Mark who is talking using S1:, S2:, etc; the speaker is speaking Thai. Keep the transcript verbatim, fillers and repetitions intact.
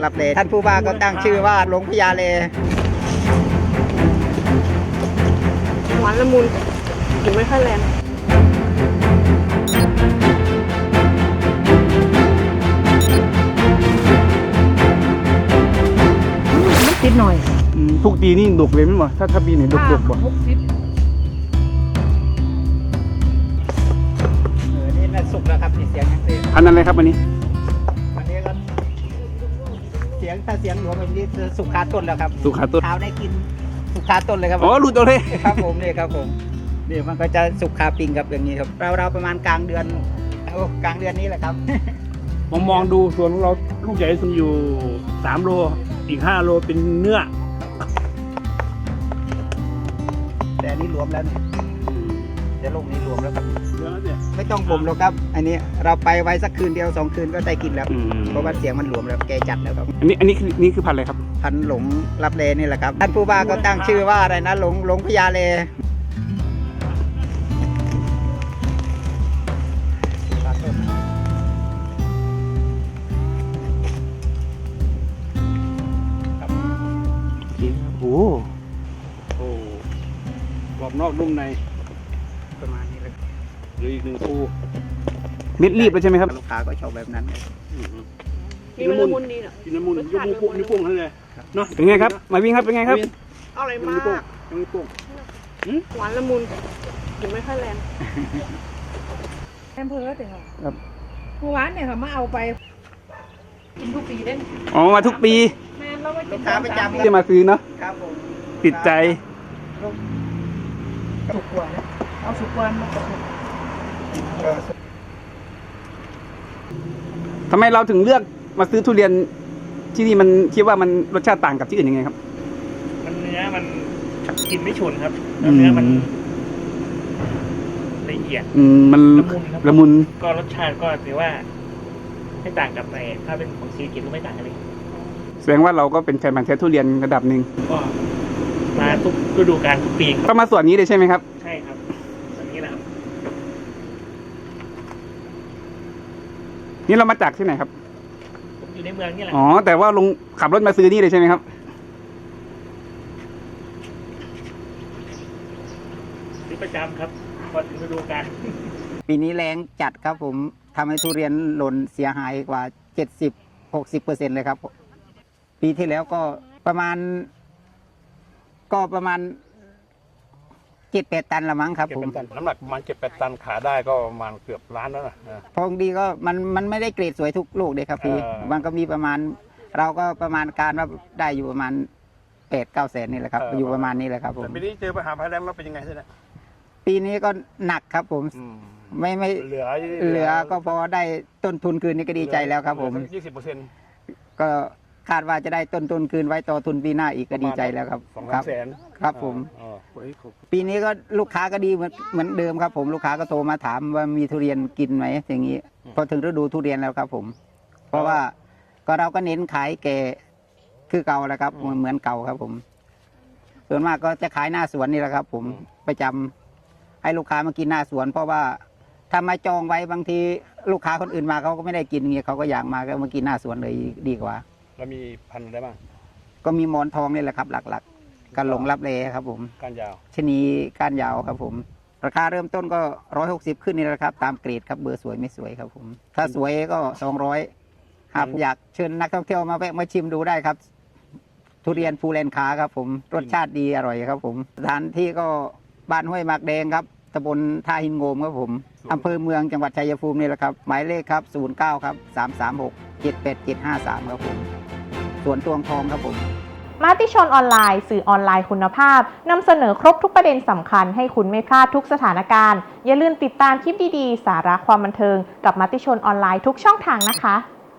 S1: รับเลท่านผู้ว่าก็ตั้งชื่อว่าหลวงพญาเล
S2: หวานละมุนกลิ่นไม่ค่อยแรงไม่ติดหน่อย
S3: ทุกปีนี่ดกเลยมั้ยบ่ถ้าถ้าปีไหนดกดกบ่
S1: เออนี่น่าสุกแล้วครับนี่เสียงยังเสียง
S3: อันนั้นอะไรครับอันนี้
S1: อันนี้ก็เสียงถ้าเสียงหลวงแบบนี้สุกคาต้นแล้วครับ
S3: สุกคาต้น
S1: เท้าได้กินสุกคาต้นเลยครับ
S3: อ๋อหลุดเอาเลย
S1: ครับผมนี่ครับผมนี่มันก็จะสุกคาปิงครับอย่างนี้ครับเราเราประมาณกลางเดือนโอ้กลางเดือนนี้แหละครับ
S3: ผมมองดูสวนของเราลูกใหญ่สุดอยู่สามโลอีกห้าโลเป็นเนื้อ
S1: แต่อันนี้รวมแล้วเนี่ยแต่ลูกนี้รวมแล้วครับ
S3: เนื้อเนี่ย
S1: ไม่ต้องบ่มหรอกครับอันนี้เราไปไว้สักคืนเดียวสองคืนก็ได้กินแล้วเพราะว่าเสียงมันรวมแล้วแกจัดแล้วครับ
S3: อันนี้อันนี้คือนี่คือพันธุ์อะไรครับ
S1: พันธุ์หลงรับเลนี่แหละครับท่านผู้ว่าก็ตั้งชื่อว่าอะไรนะหลงหลงพญาเล
S3: โอ้โหกรอบนอกนุ่มใน
S1: ประมาณนี้เลย
S3: หรืออีกหนึ่งปูเม็ดรีบเลยใช่ไหมครับ
S1: ลูกค้าก็ชอบแบบนั้น
S2: กินน้ำมุนดีเนาะ
S3: กินน้ำมุนยกนิ้วโป้งนิ้วโป้งนั่นเลยเนาะเป็นไงครับมาวิ่งครับเป็นไงครับ
S2: อร่อยมาก
S3: นิ้วโป้งนิ้วโป้ง
S2: หวานละมุนกลิ่นไม่ค่อยแรงแอมเภอถึงเหรอเมื่อวานเนี่ยเขามาเอาไปกินทุกปีได้
S3: อ๋อมาทุกปี
S2: แม่เราไปกิน
S1: ประจำ
S3: ที่มาซื้อเนาะ
S1: ครับผม
S3: ติดใจ
S2: สุกกว่าเอาสุกกว่ามา
S3: ทำไมเราถึงเลือกมาซื้อทุเรียนที่นี่มันคิดว่ามันรสชาติต่างกับที่อื่นยังไงครับ
S4: มันเนื้อมันกินไม่ฉุนครับแล้วเนื้อมันละเอียด
S3: อืมมันละมุน
S4: ก็รสชาติก็ถือว่าไม่ต่างกับในถ้าเป็นของซีกินก็ไม่ต่างกันเลย
S3: แสดงว่าเราก็เป็นแฟนพันธุ์แท้ทุเรียนระดับหนึ่ง
S4: ก็มาทุกฤดูกาลทุกปี
S3: ก็มาส่วนนี้เลยใช่ไหมครับ
S4: ใช่ครับส่วนนี้แหละครับ
S3: นี่เรามาจากที่ไหนครับ
S4: ผมอยู่ในเมืองนี่แหละ
S3: อ๋อแต่ว่าลงขับรถมาซื้อนี่เลยใช่ไหมครับ
S4: ซื้อประจำครับพอถึงฤดูกาล
S1: ปีนี้แรงจัดครับผมทำให้ทุเรียนหล่นเสียหายกว่าเจ็ดสิบหกสิบเปอร์เซ็นต์เลยครับปีที่แล้วก็ประมาณก็ประมาณเจ็ดแปดตันละมั้งครับผม
S3: น้ำหนักประมาณเจ็ดแปดตันขาได้ก็ประมาณเกือบล้านแล้วนะ
S1: พองดีก็มันมันไม่ได้เกรดสวยทุกลูกเลยครับพี่มันก็มีประมาณเราก็ประมาณการว่าได้อยู่ประมาณแปดเก้าแสนนี่แหละครับอยู่ประมาณนี้แหละครับผม
S3: ปีนี้เจอปัญหาภัยแล้งแล้วเป็นยังไงเนี่ย
S1: ปีนี้ก็หนักครับผมไม่ไม่
S3: เหลือ
S1: เหลือก็พอได้ต้นทุนคืนนี่ก็ดีใจแล้วครับผม
S3: ยี่สิบเปอร์เซ็นต์
S1: ก็คาดว่าจะได้ต้นทุนคืนไว้ต่อทุนปีหน้าอีกก็ดีใจแล้วครับ
S3: สองแสน
S1: ครับผมปีนี้ก็ลูกค้าก็ดีเหมือนเหมือนเดิมครับผมลูกค้าก็โทรมาถามว่ามีทุเรียนกินไหมอย่างนี้พอถึงฤดูทุเรียนแล้วครับผมเพราะว่าก็เราก็เน้นขายแก่คือเก่าแล้วครับเหมือนเก่าครับผมส่วนมากก็จะขายหน้าสวนนี่แหละครับผมประจำให้ลูกค้ามากินหน้าสวนเพราะว่าถ้ามาจองไว้บางทีลูกค้าคนอื่นมาเขาก็ไม่ได้กินเงี้ยเขาก็อยากมาก็มากินหน้าสวนเลยดีกว่า
S3: แล้วมีพันธุ์อะไรบ้าง
S1: ก็มีหมอนทองนี่แหละครับหลักๆกันหลงรับเลครับผม
S3: ก้านยาว
S1: ชนีก้านยาวครับผมราคาเริ่มต้นก็ร้อยหกสิบขึ้นนี่แหละครับตามเกรดครับเบอร์สวยไม่สวยครับผมถ้าสวยก็สองร้อยหากอยากเชิญนักท่องเที่ยวมาแวะมาชิมดูได้ครับทุเรียนภูแลนคาครับผมรสชาติดีอร่อยครับผมสถานที่ก็บ้านห้วยหมากแดงครับตำบลท่าหินโงมครับผมอำเภอเมืองจังหวัดชัยภูมินี่แหละครับหมายเลขครับศูนย์เก้าครับสามสามหกเจ็ดแปดเจ็ดห้าสามครับผมสวนตวงทองครับผม
S5: มติชนออนไลน์สื่อออนไลน์คุณภาพนำเสนอครบทุกประเด็นสำคัญให้คุณไม่พลาดทุกสถานการณ์อย่าลืมติดตามคลิปดีๆสาระความบันเทิงกับมติชนออนไลน์ทุกช่องทางนะคะ